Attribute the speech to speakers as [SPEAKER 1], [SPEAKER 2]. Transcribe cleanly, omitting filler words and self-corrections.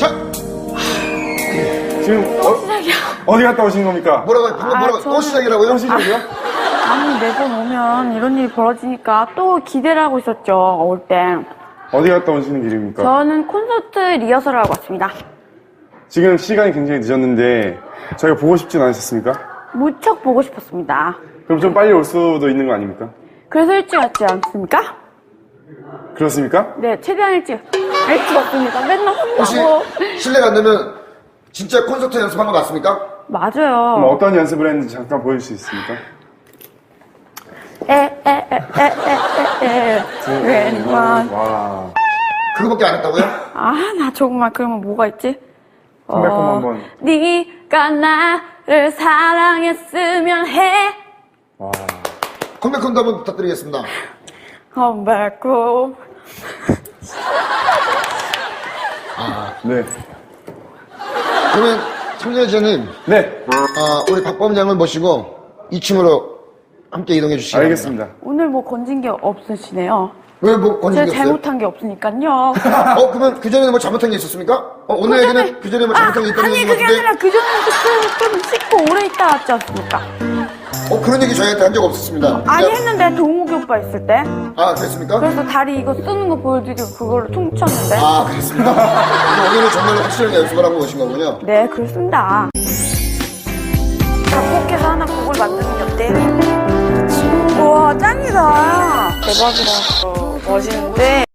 [SPEAKER 1] 자,
[SPEAKER 2] 지금
[SPEAKER 3] 시작이야.
[SPEAKER 2] 어디 갔다 오신 겁니까?
[SPEAKER 1] 뭐라고요? 방금 뭐라고? 또 시작이라고요?
[SPEAKER 2] 또 시작이요?
[SPEAKER 3] 아니, 매번 오면 이런 일이 벌어지니까 또 기대를 하고 있었죠, 올 때.
[SPEAKER 2] 어디 갔다 오시는 길입니까?
[SPEAKER 3] 저는 콘서트 리허설을 하고 왔습니다.
[SPEAKER 2] 지금 시간이 굉장히 늦었는데 저희가 보고 싶진 않으셨습니까?
[SPEAKER 3] 무척 보고 싶었습니다.
[SPEAKER 2] 그럼 좀 빨리 올 수도 있는 거 아닙니까?
[SPEAKER 3] 그래서 일찍 왔지 않습니까?
[SPEAKER 2] 그렇습니까?
[SPEAKER 3] 네, 최대한 일찍 왔습니다. 맨날
[SPEAKER 1] 혹시
[SPEAKER 3] 혼나고.
[SPEAKER 1] 실례가 안 되면 진짜 콘서트 연습한 거 맞습니까?
[SPEAKER 2] 그럼
[SPEAKER 3] 맞아요.
[SPEAKER 2] 어떤 연습을 했는지 잠깐 보여줄 수 있습니까?
[SPEAKER 3] 웬만.
[SPEAKER 2] 와.
[SPEAKER 1] 그거밖에 안 했다고요?
[SPEAKER 3] 아, 나 정말 그러면 뭐가 있지?
[SPEAKER 2] 컴백홈 한번.
[SPEAKER 3] 네가 나를 사랑했으면 해.
[SPEAKER 2] 와.
[SPEAKER 1] 컴백홈도 한번 부탁드리겠습니다.
[SPEAKER 3] 컴백홈.
[SPEAKER 2] 네.
[SPEAKER 1] 그러면 참여자님,
[SPEAKER 2] 네.
[SPEAKER 1] 우리 박범장을 모시고 2층으로 함께 이동해 주시기 바랍니다.
[SPEAKER 2] 알겠습니다.
[SPEAKER 3] 오늘 뭐 건진 게 없으시네요.
[SPEAKER 1] 왜 뭐 건진
[SPEAKER 3] 제가
[SPEAKER 1] 게 없어요?
[SPEAKER 3] 잘못한 게 없으니까요.
[SPEAKER 1] 그러면 그전에는 뭐 잘못한 게 있었습니까? 오늘 얘기는 그전에 뭐 잘못한 게 있다는
[SPEAKER 3] 아니,
[SPEAKER 1] 얘기인
[SPEAKER 3] 그게
[SPEAKER 1] 것 같은데?
[SPEAKER 3] 아니라 그전에 좀 씻고 오래 있다 왔지 않습니까?
[SPEAKER 1] 그런 얘기 저희한테 한 적 없었습니다.
[SPEAKER 3] 아니,
[SPEAKER 1] 진짜?
[SPEAKER 3] 했는데 동욱이 오빠 있을 때.
[SPEAKER 1] 그랬습니까?
[SPEAKER 3] 그래서 다리 이거 쓰는 거 보여드리고 그걸로 퉁쳤는데.
[SPEAKER 1] 그렇습니다. 오늘은 정말로 확실하게 연습을 하고 오신 거군요.
[SPEAKER 3] 네, 그렇습니다. 작곡해서 하나 곡을 만드는 게 어때요? 우와, 짱이다. 대박이다. 멋있는데.